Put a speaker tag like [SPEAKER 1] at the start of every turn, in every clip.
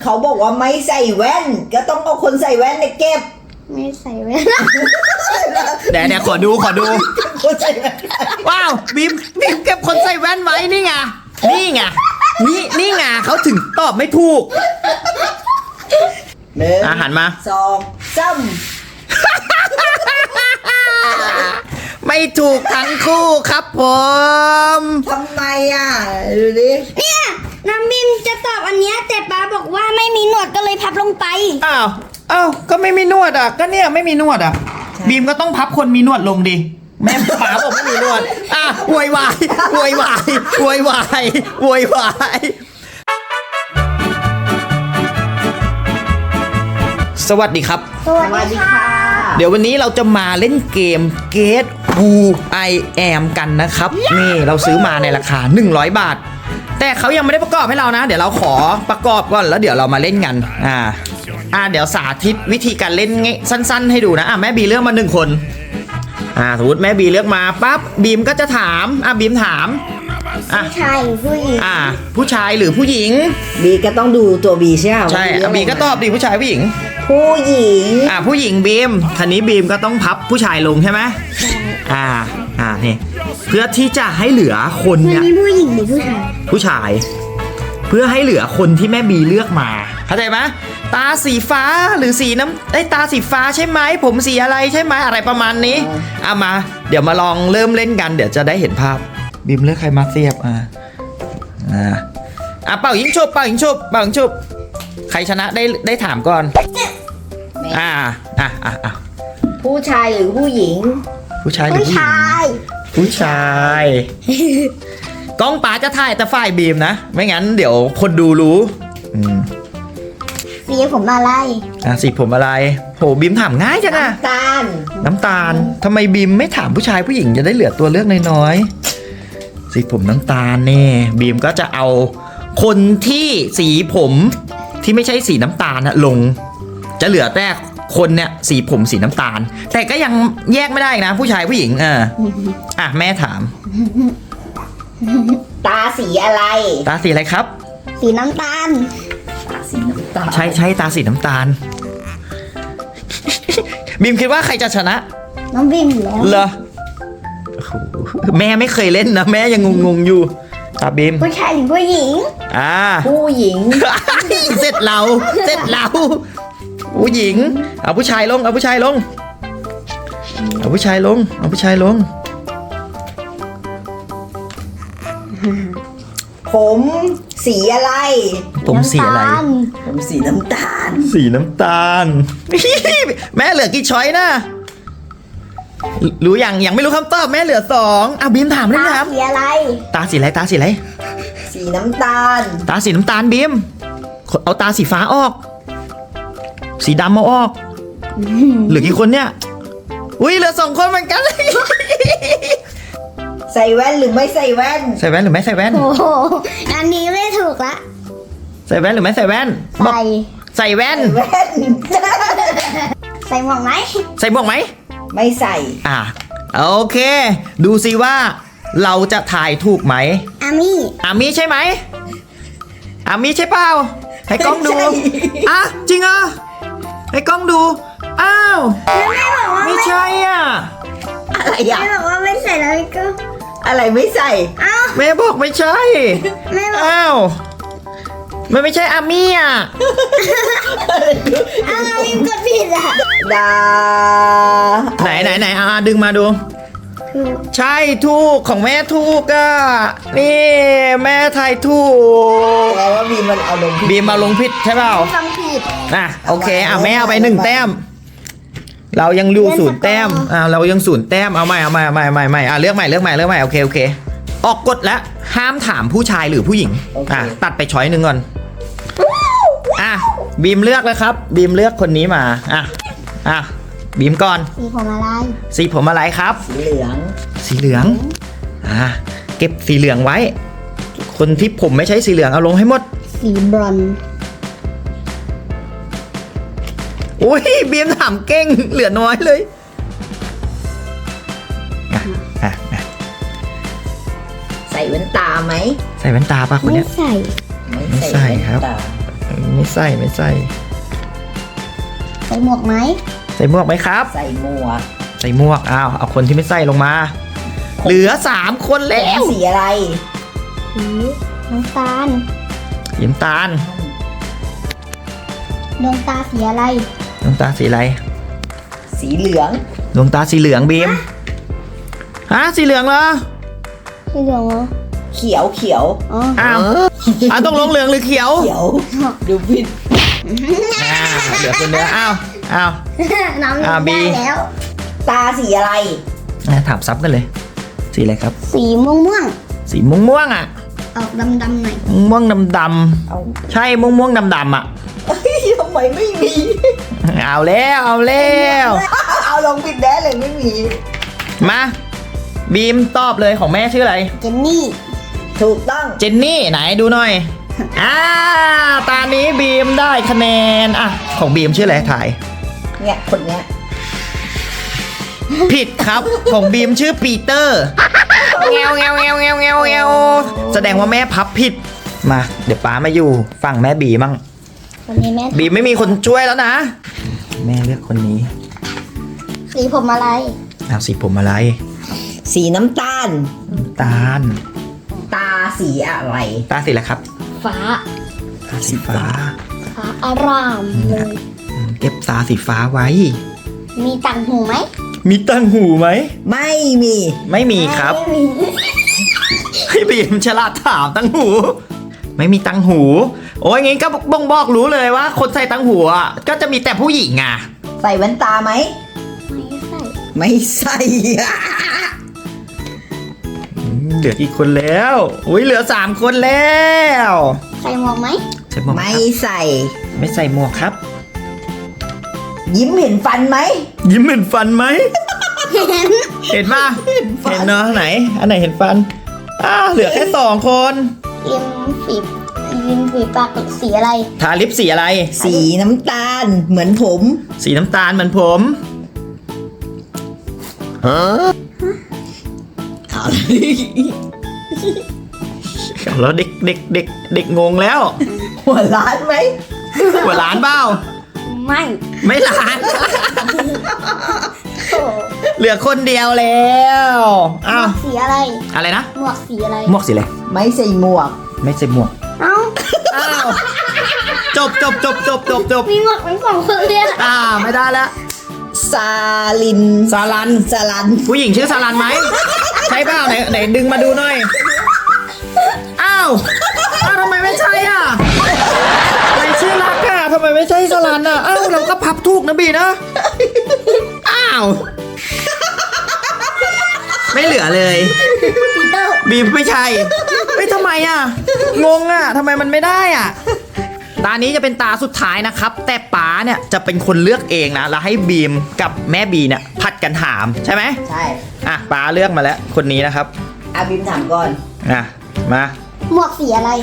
[SPEAKER 1] เขาบอกว่าไม่ใส่แว่นก็ต้องเอาคนใส่แว่นในเก็บ
[SPEAKER 2] ไม่ใส่แว่น
[SPEAKER 3] เดี๋ยวขอดู
[SPEAKER 1] คนใส่แว่น
[SPEAKER 3] ว้าวบีมเก็บคนใส่แว่นไว้นี่ไงนี่ไงเขาถึงตอบไม่ถูก
[SPEAKER 1] หนึ่ง
[SPEAKER 3] หันมา
[SPEAKER 1] สองสาม
[SPEAKER 3] ไม่ถูกทั้งคู่ครับผม
[SPEAKER 1] ทำไมดูดิ
[SPEAKER 2] เนี่ยน้ำบิมจะตอบอันเนี้ยแต่ป้าบอกว่าไม่มีหนวดก็เลยพับลงไป
[SPEAKER 3] อ้าวก็ไม่มีนวดอ่ะก็เนี่ยไม่มีนวดอ่ะบีมก็ต้องพับคนมีนวดลงดิแม่ป๋าบอกไม่มีนวดโวยวายสวัสดีครับ
[SPEAKER 2] สวัสดีค่ะ
[SPEAKER 3] เดี๋ยววันนี้เราจะมาเล่นเกม Guess Who I Am กันนะครับ นี่เราซื้อมาในราคา100 บาท แต่เขายังไม่ได้ประกอบให้เรานะ เดี๋ยวเราขอประกอบก่อนแล้วเดี๋ยวเรามาเล่นกันเดี๋ยวสาธิตวิธีการเล่นสั้นๆให้ดูนะแม่บีเลือกมา1คนสมมติแม่บีเลือกมาปั๊บบีมก็จะถามบีมถาม
[SPEAKER 2] ผู้ชายหรือผู้หญิง
[SPEAKER 3] ผู้ชายหรือผู้หญิง
[SPEAKER 1] บีก็ต้องดูตัวบีใช่ไหม
[SPEAKER 3] ใช่บีก็ตอบดิผู้ชายผู้หญิง
[SPEAKER 1] ผู้หญิง
[SPEAKER 3] ผู้หญิงบีมคันนี้บีมก็ต้องพับผู้ชายลงใช่ไหมนี่เพื่อที่จะให้เหลือคน
[SPEAKER 2] วัน
[SPEAKER 3] เนี่ย
[SPEAKER 2] นี้ผู้หญิงหรือผู้ชาย
[SPEAKER 3] เพื่อให้เหลือคนที่แม่บีเลือกมาเข้าใจไหมตาสีฟ้าหรือสีน้ำตาสีฟ้าใช่ไหมผมสีอะไรใช่ไหมอะไรประมาณนี้มาเดี๋ยวมาลองเริ่มเล่นกันเดี๋ยวจะได้เห็นภาพบีมเลือกใครมาเสียบเป่ายิงฉุบใครชนะได้ถามก่อน
[SPEAKER 1] ผู้ชายหรือผู้หญิง
[SPEAKER 3] ผู้ชายหรือผู้หญิงผู้ชายกล้องป๋าจะถ่ายแต่ฝ่ายบีมนะไม่งั้นเดี๋ยวคนดูรู้
[SPEAKER 2] สีผมอะไร
[SPEAKER 3] สีผมอะไรโหบีมถามง่ายจังน้ำตาลทำไมบีมไม่ถามผู้ชายผู้หญิงจะได้เหลือตัวเลือกน้อยๆสีผมน้ำตาลนี่บีมก็จะเอาคนที่สีผมที่ไม่ใช่สีน้ำตาลลงจะเหลือแต่คนเนี่ยสีผมสีน้ำตาลแต่ก็ยังแยกไม่ได้นะผู้ชายผู้หญิงแม่ถาม
[SPEAKER 1] ตาสีอะไร
[SPEAKER 3] ตาสีอะไรครับ
[SPEAKER 2] สีน้ำตาล
[SPEAKER 1] ตาสีน้ำตาล
[SPEAKER 3] ใช่ตาสีน้ำตาลบีมคิดว่าใครจะชนะ
[SPEAKER 2] น้องบิมแล้ว
[SPEAKER 3] เหรอแม่ไม่เคยเล่นนะแม่ยังงงอยู่ตาบีม
[SPEAKER 2] ผู้ชายหรือผู้หญิง
[SPEAKER 1] ผู้หญิง
[SPEAKER 3] เสร็จเราผู้หญิงเอาผู้ชายลง
[SPEAKER 1] ผมสีอะไร
[SPEAKER 3] ผมสีอะไร
[SPEAKER 1] ผมสีน้ำตาล
[SPEAKER 3] แม่เหลือกี่ช้อยนะรู้ยังไม่รู้คำตอบแม่เหลือ2บีมถามเลยครับ
[SPEAKER 2] สีอะไร
[SPEAKER 3] ตาสีอะไร
[SPEAKER 1] สีน้ำตาล
[SPEAKER 3] ตาสีน้ำตาลบีมเอาตาสีฟ้าออกสีดำเอาออกเหลือกี่คนเนี่ยเหลือ2คนเหมือนกันเลย
[SPEAKER 1] ใส่แว่นหรือไม่ใส่แว่น
[SPEAKER 3] ใส่แว่นหรือไม่ใส่แว่น
[SPEAKER 2] โอ้โหอันนี้ไม่ถูกละ
[SPEAKER 3] ใส่แว่นหรือไม่ใส่แว่นใส่แว่น
[SPEAKER 2] ใส่หมวกไหม
[SPEAKER 1] ไม่ใส่
[SPEAKER 3] โอเคดูสิว่าเราจะถ่ายถูกไหม
[SPEAKER 2] อามี่
[SPEAKER 3] ใช่ไหมอามี่ใช่เปล่าให้กล้องดูจริงให้กล้องดู
[SPEAKER 2] แม่บอกว่า
[SPEAKER 3] ไม่ใช่
[SPEAKER 1] อะไร
[SPEAKER 2] แม่บอกว่าไม่ใส่แล้วก็
[SPEAKER 1] อะไรไม่ใส่
[SPEAKER 3] แม่บอกไม่ใช่
[SPEAKER 2] แม่บอก
[SPEAKER 3] มันไม่ใช่อามี่
[SPEAKER 2] เราบิมกดผิด
[SPEAKER 1] ดา
[SPEAKER 3] ไหนดึงมาดูใช่ถูกของแม่ถูกนี่แม่ทายถูก
[SPEAKER 1] แปลว่าบีมมันเอาลง
[SPEAKER 3] ผิดใช่เปล่า
[SPEAKER 2] ทำผิด
[SPEAKER 3] โอเคแม่เอาไป1 แต้มเรายังอยู่0 แต้มเรายัง0 แต้มเอาใหม่เลือกใหม่โอเคออกกฎแล้วห้ามถามผู้ชายหรือผู้หญิงตัดไปช้อยหนึ่งก่อนบีมเลือกแล้วครับบีมเลือกคนนี้มาบีมก่อนสีผมอะไรครับสีเหลืองเก็บสีเหลืองไว้คนที่ผมไม่ใช่สีเหลืองเอาลงให้หมด
[SPEAKER 2] สีบรอนซ์
[SPEAKER 3] บีมถามเก่งเหลือน้อยเลย
[SPEAKER 1] ใส่แว่นตาไหม
[SPEAKER 3] ใส่แว่นตาป่ะคนเนี้ย
[SPEAKER 2] ไม่ใส่
[SPEAKER 3] ครับไม่ใส่ไม่ใส่
[SPEAKER 2] ใส่หมวกไหม
[SPEAKER 3] ใส่หมวกไหมครับ
[SPEAKER 1] ใส่หมวก
[SPEAKER 3] ใส่หมวกอ้าวเอาคนที่ไม่ใส่ลงมา เหลือ3คนแล้ว
[SPEAKER 1] สีอะไร
[SPEAKER 2] สีน้ำตาล
[SPEAKER 3] สีน้ำตาล
[SPEAKER 2] ดวงตาสีอะไร
[SPEAKER 3] ดวงตาสีอะไร
[SPEAKER 1] สีเหลือง
[SPEAKER 3] ดวงตาสีเหลืองบีมฮะสีเหลืองเหรอ
[SPEAKER 2] สีเหลืองเหรอ
[SPEAKER 1] เขียวเขียว
[SPEAKER 2] อ๋อ
[SPEAKER 3] อ้าวต้องลงเหลืองหรือเขียว
[SPEAKER 1] เขียวดูผิด
[SPEAKER 3] เหลือคนเดียวอ้าว
[SPEAKER 2] น้อง
[SPEAKER 3] บี
[SPEAKER 2] ได้แล้ว
[SPEAKER 1] ตาสีอะไร
[SPEAKER 3] ถามซับกันเลย สีอะไรครับ
[SPEAKER 2] สีม่วงม่วง
[SPEAKER 3] สีม่วงๆอ่ะ
[SPEAKER 2] ๆออกดำๆหน่อย
[SPEAKER 3] ม่วงดำ
[SPEAKER 1] เอา
[SPEAKER 3] ๆใช่ม่วงดำๆอ่ะ
[SPEAKER 1] ทำไมไม่มี
[SPEAKER 3] เอาแล้วเอาแล้ว
[SPEAKER 1] เอาลงผิดแน่เลยไม่มี
[SPEAKER 3] มาบีมตอบเลยของแม่ชื่ออะไร
[SPEAKER 2] เจนนี่
[SPEAKER 1] ถูกต้อง
[SPEAKER 3] เจนนี่ไหนดูหน่อยตอนนี้บีมได้คะแนนของบีมชื่ออะไรถ่าย
[SPEAKER 1] เนี่ยคนเนี้ย
[SPEAKER 3] ผิดครับของบีมชื่อปีเตอร์เงวแสดงว่าแม่พับผิดมาเดี๋ยวป้ามาอยู่ฝั่งแม่บีมั่ง
[SPEAKER 2] วันนี้แม่
[SPEAKER 3] บีมไม่มีคนช่วยแล้วนะ แม่เลือกคนนี้
[SPEAKER 2] สีผมอะไร
[SPEAKER 3] เอาสีผมอะไร
[SPEAKER 1] สีน้ำตาล
[SPEAKER 3] ตาล
[SPEAKER 1] ตาสีอะไร
[SPEAKER 3] ตาสีอะไรครับ
[SPEAKER 2] ฟ้า
[SPEAKER 3] ตาสีฟ้า
[SPEAKER 2] ฟ้าอารามเลย
[SPEAKER 3] เก็บตาสีฟ้าไว้
[SPEAKER 2] มีต่างหูไหม
[SPEAKER 3] มีตั้งหูไหม
[SPEAKER 1] ไม่มี
[SPEAKER 3] ไม่มีครับ
[SPEAKER 2] ไม่มี
[SPEAKER 3] พี่บีมฉลาดถามตั้งหู ไม่มีตั้งหู โอ้ยงี้ก็บ่งบอกรู้เลยว่า คนใส่ตั้งหูอ่ะก็จะมีแต่ผู้หญิงอ่ะ
[SPEAKER 1] ใส่แว่นตาไหม
[SPEAKER 2] ไม่ใส่
[SPEAKER 1] ไม่ใส่
[SPEAKER 3] เหลือกี่คนแล้วอุ้ยเหลือ3คนแล้ว
[SPEAKER 2] ใส่หมวกไหม
[SPEAKER 3] ใส่หมวกไหม
[SPEAKER 1] ไม่
[SPEAKER 3] ครับ
[SPEAKER 1] ใส่
[SPEAKER 3] ไม่ใส่หมวกครับ
[SPEAKER 1] ยิ้มเห็นฟันไหม
[SPEAKER 3] ยิ้มเห็นฟันไหม
[SPEAKER 2] เห็น
[SPEAKER 3] เห็นป่ะ
[SPEAKER 1] ฟัน
[SPEAKER 3] เห็นเนาะไหน อันไหนเห็นฟันเหลือแค่2 คน
[SPEAKER 2] ริมฝีปากสีอะไร
[SPEAKER 3] ทาลิปสีอะไร
[SPEAKER 1] สีน้ำตาลเหมือนผม
[SPEAKER 3] สีน้ำตาลเหมือนผมฮะ
[SPEAKER 1] เอา
[SPEAKER 3] แล้วเด็กงงแล้ว
[SPEAKER 1] หัวล้านไหม
[SPEAKER 3] หัวล้านเปล่า
[SPEAKER 2] ไม่
[SPEAKER 3] ไม่ล้าน
[SPEAKER 2] โอ้
[SPEAKER 3] เหลือคนเดียวแล้ว
[SPEAKER 2] หมวกสีอะไร
[SPEAKER 3] อะไรนะ
[SPEAKER 2] หมวกสีอะไร
[SPEAKER 3] หมวกสีอะไร
[SPEAKER 1] ไม่ใส่หมวก
[SPEAKER 3] ไม่ใส่หมวก
[SPEAKER 2] เอ้า
[SPEAKER 3] อ้าวจบ
[SPEAKER 2] มีหมวกเป็นสองคนเลยอะ
[SPEAKER 3] ไม่ได้แล้ว
[SPEAKER 1] ซาลิน
[SPEAKER 3] ซาลัน
[SPEAKER 1] ซาลัน
[SPEAKER 3] ผู้หญิงชื่อซาลันไหมใช่เปล่าไหนดึงมาดูหน่อยอ้าวทำไมไม่ใช่อ่ะใครชื่อรักอ่ะทำไมไม่ใช่ซาลันอ่ะอ้าวเราก็พับถูกนะบีนะอ้าวไม่เหลือเลย
[SPEAKER 2] ปีเตอร์
[SPEAKER 3] บีมไม่ใช่ไม่ทำไมอ่ะงงอ่ะทำไมมันไม่ได้อ่ะตานี้จะเป็นตาสุดท้ายนะครับ แต่ป๋าเนี่ยจะเป็นคนเลือกเองนะแล้วให้บีมกับแม่บีเนี่ยผัดกันถามใช่ไหม
[SPEAKER 1] ใช่
[SPEAKER 3] ป๋าเลือกมาแล้วคนนี้นะครับ
[SPEAKER 1] อาบิมถามก่อน
[SPEAKER 3] มา
[SPEAKER 2] หมวกสีอะไร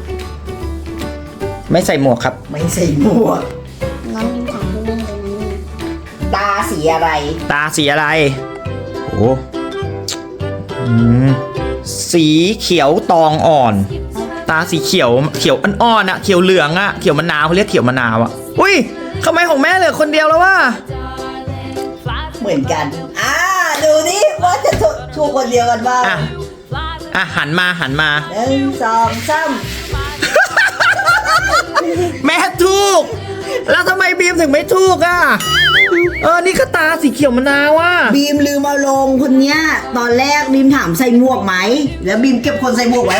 [SPEAKER 3] ไม่ใส่หมวกครับ
[SPEAKER 1] ไม่ใส่หมวก
[SPEAKER 2] น้องยิมถามพี่แม่เลยนะเนี่ย
[SPEAKER 1] ตาสีอะไร
[SPEAKER 3] ตาสีอะไรโอ้สีเขียวตองอ่อน ตาสีเขียวอ่อนๆอะเขียวเหลืองอะเขียวมะนาวเขาเรียกเขียวมะนาวอะอุ้ยทำไมของแม่เหลือคนเดียวแล้ววะ
[SPEAKER 1] เหมือนกันดูนี่ว่าจะถูกคนเดียวกันบ้าง
[SPEAKER 3] หันมา
[SPEAKER 1] 1 2 3
[SPEAKER 3] แม่ถูก แล้วทำไมบีมถึงไม่ถูกอะนี่ก็ตาสีเขียวมะนาวอะ
[SPEAKER 1] บีมลืมเอาลงคนเนี้ยตอนแรกบีมถามใส่หมวกไหมแล้วบีมเก็บคนใส่หมวกไว้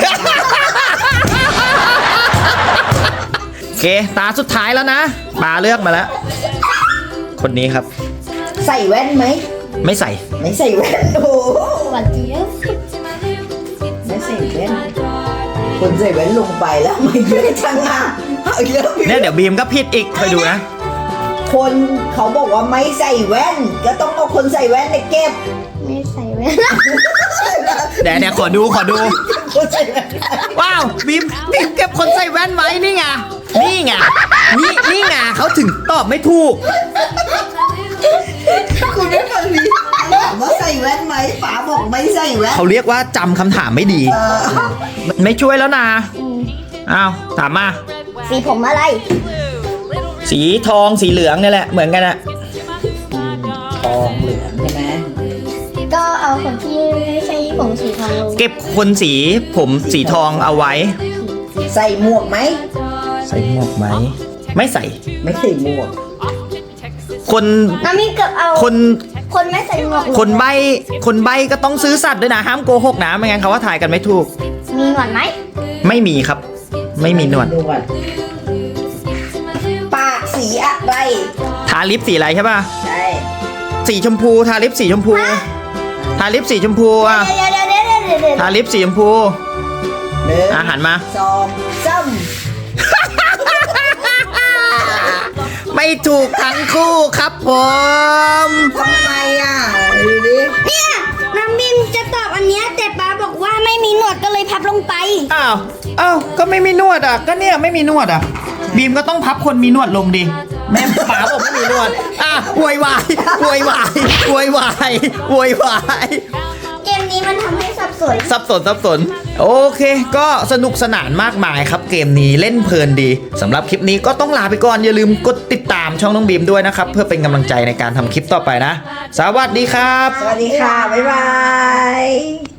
[SPEAKER 3] โอเคตาสุดท้ายแล้วนะปาเลือกมาแล้ว คนนี้ครับ
[SPEAKER 1] ใส่แว่นไหม
[SPEAKER 3] ไม่ใส่
[SPEAKER 1] ไม่ใส่แว่นโอ้โห
[SPEAKER 2] หวานเจี๊ยบ
[SPEAKER 1] ไม่ใส่แว่นคนใส่แว่นลงไปแล้วไม่เยอะจังอ่ะเอาเยอะ
[SPEAKER 3] เนี่ยเดี๋ยวบีมก็ผิดอีกคอยดูนะ
[SPEAKER 1] คนเขาบอกว่าไม่ใส่แว่น ก็ต้องเอาคนใส่แว่นไปเก็บ
[SPEAKER 2] ไม่ใส่แว่น
[SPEAKER 3] เดี๋ยวขอดู
[SPEAKER 1] คนใส่แว่น
[SPEAKER 3] ว้าวบีมเก็บคนใส่แว่นไว้นี่ไงนี่ไงเขาถึงตอบไม่ถูก
[SPEAKER 1] คุณไม่ฟังดีถามว่าใส่แว่นไหมป๋าบอกไม่ใส่แว่น
[SPEAKER 3] เขาเรียกว่าจำคำถามไม่ดี ไม่ช่วยแล้วนะอ้าวถามมา
[SPEAKER 2] สีผมอะไร
[SPEAKER 3] สีทองสีเหลืองนี่แหละเหมือนกันอะ
[SPEAKER 1] ทองเหลืองใช่ไหม
[SPEAKER 2] ก็เอาคนที่ไม่ใช่ผมสีทองลง
[SPEAKER 3] เก็บคนสีผมสีทองเอาไว้
[SPEAKER 1] ใส่หมวกไหม
[SPEAKER 3] ใส่หมวกไหมไม่ใส่
[SPEAKER 1] ไม่ใส่หมวก
[SPEAKER 3] คน
[SPEAKER 2] น้ำมินเกือบเอา
[SPEAKER 3] คน
[SPEAKER 2] คนไม่ใส่หมวก
[SPEAKER 3] คนใบ้ก็ต้องซื้อสัตว์ด้วยนะห้ามโกหกนะไม่งั้นเขาว่าถ่ายกันไม่ถูก
[SPEAKER 2] มีหนวดไหม
[SPEAKER 3] ไม่มีครับ ไม่มีหนวด
[SPEAKER 1] ปากสีอะไร
[SPEAKER 3] ทาลิปสีอะไรใช่ป่ะ
[SPEAKER 1] ใช่
[SPEAKER 3] สีชมพูทาลิปสีชมพูทาลิปสีชมพูอ่ะ
[SPEAKER 2] เดี๋ยว
[SPEAKER 3] ทาลิปสีชมพู
[SPEAKER 1] หนึ่ง
[SPEAKER 3] หันมา
[SPEAKER 1] สองสาม
[SPEAKER 3] ไม่ถูกทั้งคู่ครับผม
[SPEAKER 1] ทำไมอ่ะดูดิ
[SPEAKER 2] เนี่ยน้ำมินจะตอบอันเนี้ยแต่ป้าบอกว่าไม่มีหนวดก็เลยพับลงไป
[SPEAKER 3] อ้าวก็ไม่มีนวดอ่ะก็เนี่ยไม่มีนวดอ่ะบีมก็ต้องพับคนมีนวดลงดิแม่ป๋าบอกไม่มีนวดโวยวายโวยวายโวยวายโวยวาย
[SPEAKER 2] เกมนี้มันทำให้สับสน
[SPEAKER 3] สับสนโอเค ก็สนุกสนานมากมายครับเกมนี้เล่นเพลินดีสำหรับคลิปนี้ก็ต้องลาไปก่อนอย่าลืมกดติดตามช่องน้องบีมด้วยนะครับเพื่อเป็นกำลังใจในการทำคลิปต่อไปนะ สวัสดีครับ
[SPEAKER 1] สวัสดีค่ะ บ๊ายบาย